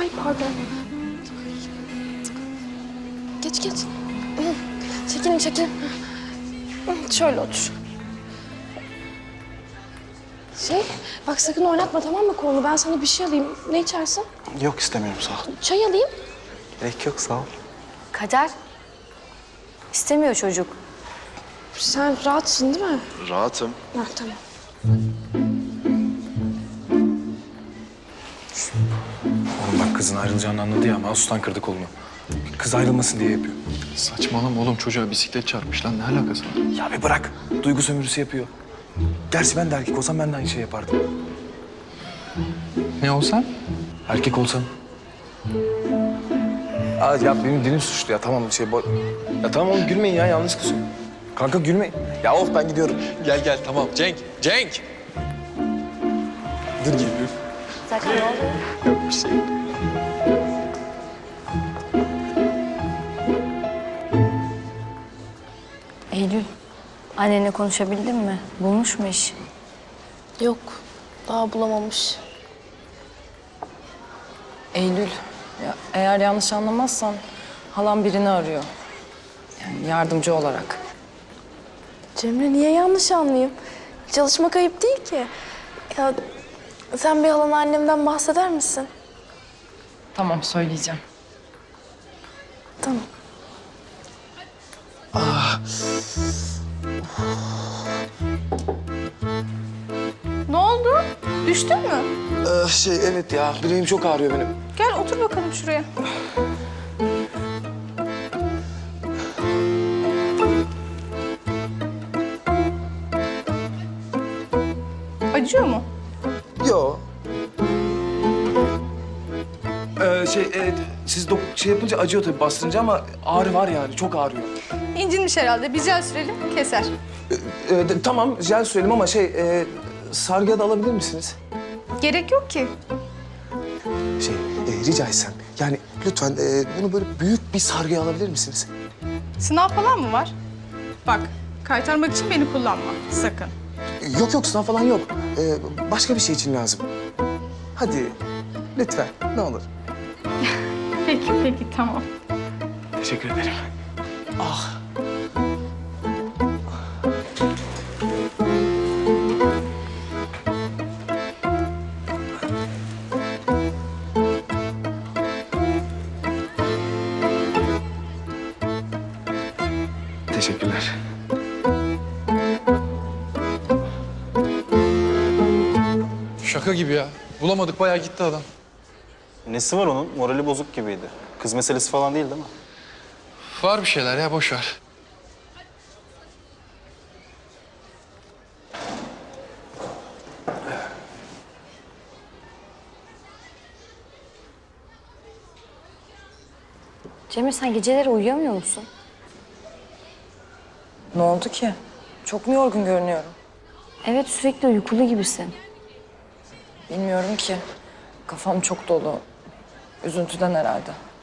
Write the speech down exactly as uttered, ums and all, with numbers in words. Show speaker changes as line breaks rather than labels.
Ay pardon. Geç geç. Çekilin çekilin. Şöyle otur. Şey, bak sakın oynatma tamam mı kolunu? Ben sana bir şey alayım. Ne içersin?
Yok istemiyorum sağ ol.
Çay alayım.
Gerek yok sağ ol.
Kader. İstemiyor çocuk.
Sen rahatsın değil mi?
Rahatım.
Ha, tamam.
Oğlum bak kızın ayrılacağını anladı ya, mouse'tan kırdı kolunu. Kız ayrılmasın diye yapıyor.
Saçmalama oğlum, çocuğa bisiklet çarpmış lan, ne alakası var?
Ya bir bırak, duygu sömürüsü yapıyor. Gerçi ben de erkek olsam ben de aynı şey yapardım.
Ne olsan?
Erkek olsam. Aa, ya benim dilim suçlu ya, tamam şey... Bo... Ya tamam oğlum gülmeyin ya, yanlış kız. Kanka gülmeyin. Ya of ben gidiyorum.
Gel gel, tamam. Cenk, Cenk!
Dur geliyorum.
Zaten ne oldu?
Yok bir şey.
Eylül, annenle konuşabildin mi? Bulmuş mu iş?
Yok, daha bulamamış.
Eylül, ya eğer yanlış anlamazsan halam birini arıyor. Yani yardımcı olarak.
Cemre niye yanlış anlayayım? Çalışmak ayıp değil ki. Ya sen bir halana annemden bahseder misin?
Tamam, söyleyeceğim.
Tamam.
Ne oldu? Düştün mü?
Ee, şey evet ya, bileğim çok ağrıyor benim.
Gel otur bakalım şuraya. Acıyor mu?
Yo. Ee, şey, e, siz dok şey yapınca acıyor tabii bastırınca ama ağrı var yani, çok ağrıyor.
İncinmiş herhalde. Bir jel sürelim, keser.
Ee, de- tamam, jel sürelim ama şey, e, sargıya da alabilir misiniz?
Gerek yok ki.
Şey, e, rica etsem, yani lütfen e, bunu böyle büyük bir sargıya alabilir misiniz?
Sınav falan mı var? Bak, kaytarmak için beni kullanma. Sakın.
Yok yok, sınav falan yok. Ee, başka bir şey için lazım. Hadi, lütfen, ne olur.
Peki, peki. Tamam.
Teşekkür ederim. Ah. Teşekkürler.
Şaka gibi ya. Bulamadık, bayağı gitti adam.
Nesi var onun? Morali bozuk gibiydi. Kız meselesi falan değil değil mi?
Var bir şeyler ya, boş ver.
Cemre sen geceleri uyuyamıyor musun?
Ne oldu ki? Çok mu yorgun görünüyorum?
Evet sürekli uykulu gibisin.
Bilmiyorum ki. Kafam çok dolu. Üzüntüden herhalde.